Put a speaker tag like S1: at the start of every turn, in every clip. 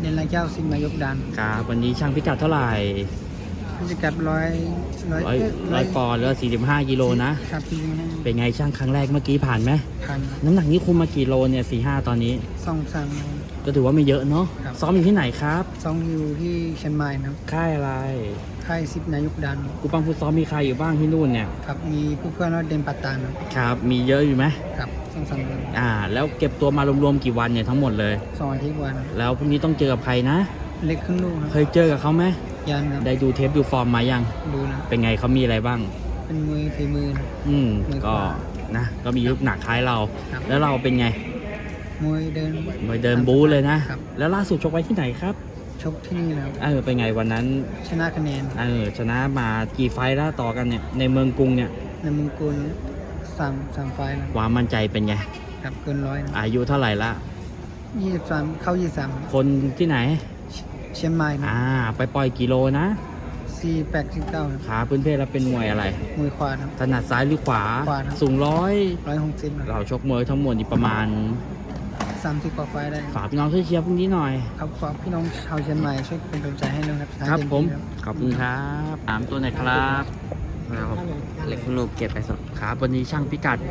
S1: นรายเจ้าสิงห์นายกดัน
S2: ครับวันนี้ช่างพิกัดเท่าไหร่
S1: พิกัดร้อย
S2: ปอนด์แล้ว45 กิโลนะครับ
S1: 45
S2: เป็นไงช่างครั้งแรกเมื่อกี้ผ่านไหม
S1: พัน
S2: น้ำหนักนี้คุมมากี่โลเนี่ย4-5ตอนนี้
S1: 2-3
S2: ก็ถือว่าไม่เยอะเนาะซ้อมอยู่ที่ไหนครับ
S1: อยู่ที่เชียงใหม่นะ
S2: ค่ายอะไร
S1: ค่ายสิงห์นายกดัน
S2: กูปังผู้ซ้อมมีใครอยู่บ้างที่นู่นเนี่ย
S1: ครับมีผู้เพื่อนว่าเดนปัตตาน
S2: ครับมีเยอะอยู่ไหม
S1: ครับ2-3เดือน
S2: แล้วเก็บตัวมารวมๆกี่วันเนี่ยทั้งหมดเลย
S1: 2 อาทิตย์วัน
S2: แล้วพรุ่งนี้ต้องเจอกับใครนะ
S1: เล็กขึ้นลูก
S2: เคยเจอกับเขาไหม
S1: ยันครับ
S2: ได้ดูเทปดูฟอร์มมายัง
S1: ดูนะ
S2: เป็นไงเขามีอะไรบ้าง
S1: เป็นมวยฝีมือ
S2: ก็นะก็มีลูกหนักคล้ายเราแล้วเราเป็นไง
S1: มวย
S2: เดินบู๊เลยนะแล้วล่าสุดชกไว้ที่ไหนครับ
S1: ชกที่นี่แล้ว
S2: เป็นไงวันนั้น
S1: ชนะคะแนน
S2: ชนะมากี่ไฟล์แล้วต่อกันเนี่ยในเมืองกรุงเนี่ย
S1: ในเมืองกรุง3 ไฟล์แล้ว
S2: ความมั่นใจเป็นไง
S1: ครับเกิน100
S2: อายุเท่าไหร่ละ
S1: 23เข้า23
S2: คนที่ไหน
S1: เชียงใหม่
S2: ไปปล่อยกิโลนะ
S1: 48-49
S2: ขาพื้นเพศเราเป็นมวยอะไร
S1: มวยขวาครับ
S2: ถนัดซ้ายหรือขวาสูง
S1: 160
S2: เราชกมวยทั้งหมดอีกประมาณ
S1: 30 กว่าไฟล์ได้
S2: ฝากพี่น้องช่วยเชียร์พรุ่งนี้หน่อย
S1: ครับฝากพี่น้องชาวเชียงใหม่ช่วยเป็นกำลังใจให้ด้วย
S2: ครับผมขอบคุณครับตามตัวไหนครับ
S3: เล็กลูกเก็บไปสด
S2: ครับวันนี้ช่างพิกัด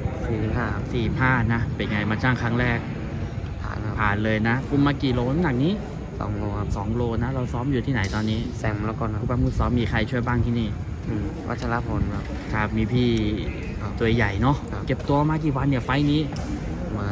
S2: 45นะเป็นไงมาช่างครั้งแรกผ่านเลยนะคุมมากี่โลน้ำหนักนี้
S3: 2 โลครับ
S2: 2 โลนะเราซ้อมอยู่ที่ไหนตอนนี้
S3: แซมแล้วก่อน
S2: คุณป้ามือซ้อมมีใครช่วยบ้างที่นี่
S3: วัชรพล
S2: ครับมีพี่ตัวใหญ่เนาะเก็บตัวมากี่วันเนี่ยไฟนี้
S3: มา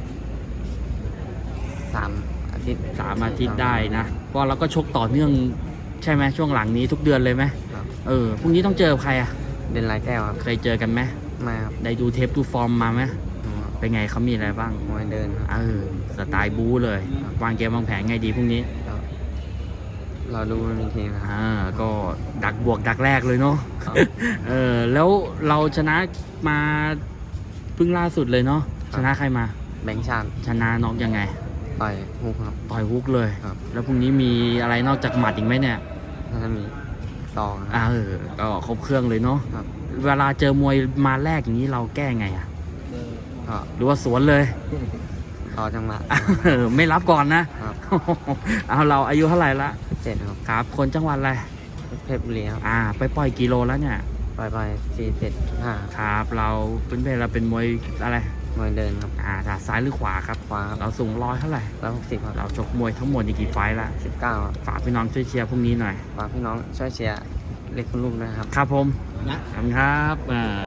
S3: 3 อาทิตย์
S2: ได้นะเพราะเราก็ชกต่อเนื่องใช่ไหมช่วงหลังนี้ทุกเดือนเลยไหมพรุ่งนี้ต้องเจอใคร
S3: เดนไลแก้วครับ
S2: เคยเจอกันไหม
S3: ไม่ครับ
S2: ได้ดูเทปดูฟอร์มมาไหมเป็นไงเขามีอะไรบ้าง
S3: มวยเดิน
S2: สไตล์บู๊เลยวางเกมวางแผนไงดีพรุ่งนี้
S3: เราดูมันมีทีนะ
S2: ก็ดักบวกดักแรกเลยเนาะแล้วเราชนะมาเพิ่งล่าสุดเลยเนาะชนะใครมา
S3: แบงค์ชาญ
S2: ชนะน็อกยังไง
S3: ต่อยฮุกครับ
S2: ต่อยฮุกเลยแล้วพรุ่งนี้มีอะไรนอกจากหมัดอีกไหมเนี่ย
S3: น่าจะมี2
S2: ก็ครบเครื่องเลยเนาะเวลาเจอมวยมาแรกอย่างนี้เราแก้ไงหรือว่าสวนเลย
S3: ต่อจังหวะ
S2: ไม่รับก่อนนะเราอายุเท่าไหร่ละ
S3: 7
S2: ครับคนจังหวัดอะไร
S3: เพชรบุรีครับ
S2: ไปปล่อยกิโลแล้วเนี่ย
S3: ไป47.5
S2: ครับเราเป็นมวยอะไร
S3: มวยเดินครับ
S2: ซ้ายหรือขวาครับ
S3: ขวา
S2: เราสูงเท่าไหร่
S3: 160ครับ
S2: เราชกมวยทั้งหมดกี่ไฟล์ละ
S3: 19
S2: ฝากพี่น้องช่วยเชียร์พรุ่งนี้หน่อย
S3: ฝากพี่น้องช่วยเชียร์เล็กลูกนะครับ
S2: ครับผมขอบคุณครับ